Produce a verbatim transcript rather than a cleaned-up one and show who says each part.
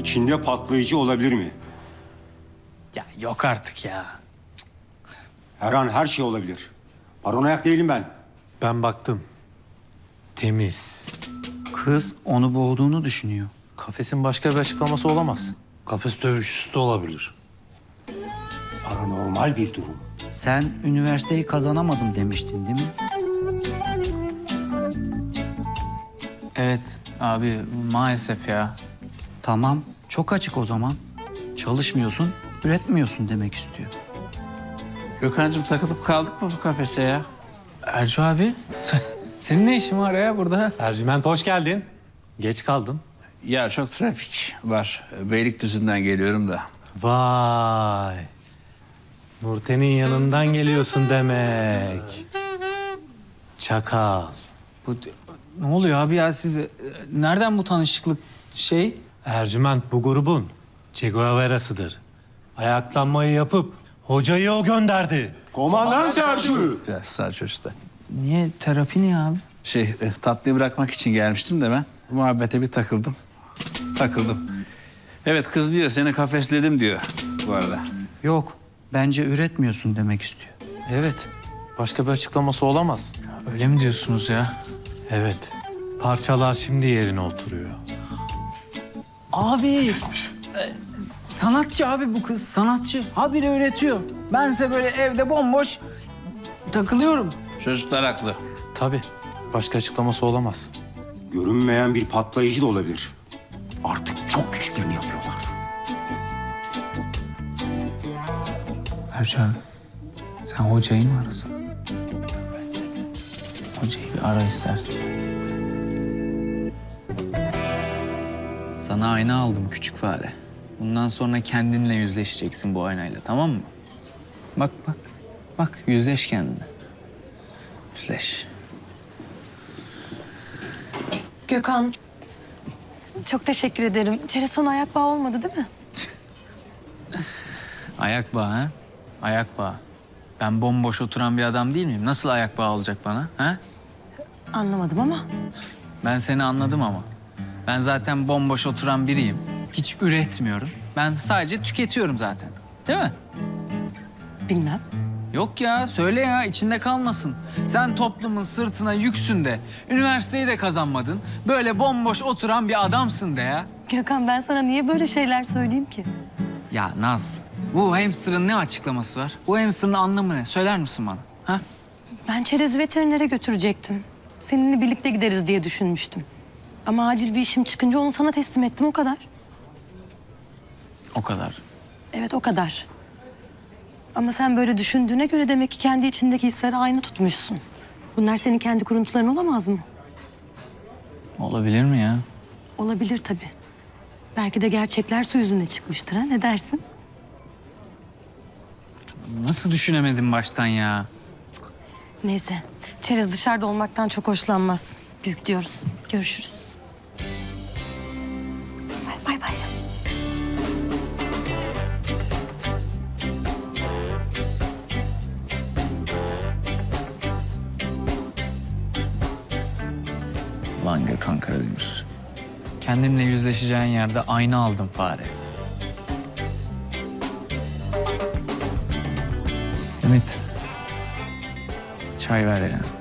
Speaker 1: İçinde patlayıcı olabilir mi?
Speaker 2: Ya yok artık ya.
Speaker 1: Her an her şey olabilir. Paranoyak değilim ben.
Speaker 3: Ben baktım. Temiz.
Speaker 4: Kız onu boğduğunu düşünüyor.
Speaker 3: Kafesin başka bir açıklaması olamaz.
Speaker 5: Kafes dövüşçüsü de olabilir.
Speaker 1: Paranormal bir durum.
Speaker 4: Sen üniversiteyi kazanamadım demiştin değil mi?
Speaker 2: Evet abi maalesef ya.
Speaker 4: Tamam, çok açık o zaman. Çalışmıyorsun, üretmiyorsun demek istiyor.
Speaker 6: Gökhan'cığım takılıp kaldık mı bu kafese ya?
Speaker 2: Ercü abi senin ne işin var ya burada?
Speaker 3: Ercüment hoş geldin. Geç kaldın.
Speaker 6: Ya çok trafik var. Beylikdüzü'nden geliyorum da.
Speaker 3: Vay. Nurten'in yanından geliyorsun demek. Çakal.
Speaker 2: Bu, ne oluyor abi ya siz e, nereden bu tanışıklık şey?
Speaker 3: Ercüment bu grubun Che Guevara'sıdır. Ayaklanmayı yapıp hocayı o gönderdi.
Speaker 1: Komandan Tercü.
Speaker 6: Biraz sağ çocukta.
Speaker 2: Niye terapi niye abi?
Speaker 6: Şey e, tatlıyı bırakmak için gelmiştim de ben. Muhabbete bir takıldım. Takıldım. Evet kız diyor seni kafesledim diyor bu arada.
Speaker 4: Yok, bence üretmiyorsun demek istiyor.
Speaker 3: Evet. Başka bir açıklaması olamaz.
Speaker 2: Öyle mi diyorsunuz ya?
Speaker 3: Evet. Parçalar şimdi yerine oturuyor.
Speaker 2: Abi e, sanatçı abi bu kız sanatçı. Habire üretiyor. Bense böyle evde bomboş takılıyorum.
Speaker 6: Çocuklar haklı.
Speaker 3: Tabii. Başka açıklaması olamaz.
Speaker 1: Görünmeyen bir patlayıcı da olabilir. Artık çok küçüklerini yapıyorlar.
Speaker 2: Ercü abi sen hocayı mı arasan? Hocayı bir ara istersen. Sana ayna aldım küçük fare. Bundan sonra kendinle yüzleşeceksin bu aynayla, tamam mı? Bak bak, bak yüzleş kendine. Yüzleş.
Speaker 7: Gökhan, çok teşekkür ederim. Çerez sana ayak bağı olmadı değil mi?
Speaker 2: Ayak bağı ha? Ayak bağı. Ben bomboş oturan bir adam değil miyim? Nasıl ayak bağı olacak bana ha?
Speaker 7: Anlamadım ama.
Speaker 2: Ben seni anladım ama. Ben zaten bomboş oturan biriyim. Hiç üretmiyorum. Ben sadece tüketiyorum zaten. Değil mi?
Speaker 7: Bilmem.
Speaker 2: Yok ya, söyle ya, içinde kalmasın. Sen toplumun sırtına yüksün de, üniversiteyi de kazanmadın. Böyle bomboş oturan bir adamsın de ya.
Speaker 7: Gökhan ben sana niye böyle şeyler söyleyeyim ki?
Speaker 2: Ya Naz, bu hamsterın ne açıklaması var? Bu hamsterın anlamı ne? Söyler misin bana? Ha?
Speaker 7: Ben Çerez'i veterinere götürecektim. Seninle birlikte gideriz diye düşünmüştüm. Ama acil bir işim çıkınca onu sana teslim ettim o kadar.
Speaker 2: O kadar.
Speaker 7: Evet o kadar. Ama sen böyle düşündüğüne göre demek ki kendi içindeki hisleri aynı tutmuşsun. Bunlar senin kendi kuruntuların olamaz mı?
Speaker 2: Olabilir mi ya?
Speaker 7: Olabilir tabii. Belki de gerçekler su yüzüne çıkmıştır ha, ne dersin?
Speaker 2: Nasıl düşünemedim baştan ya?
Speaker 7: Neyse, Çerez dışarıda olmaktan çok hoşlanmaz. Biz gidiyoruz. Görüşürüz. Bay bay. bay.
Speaker 2: Lan Gökhan Karademir. Kendinle yüzleşeceğin yerde ayna aldım fare. Ümit. Çay ver ya.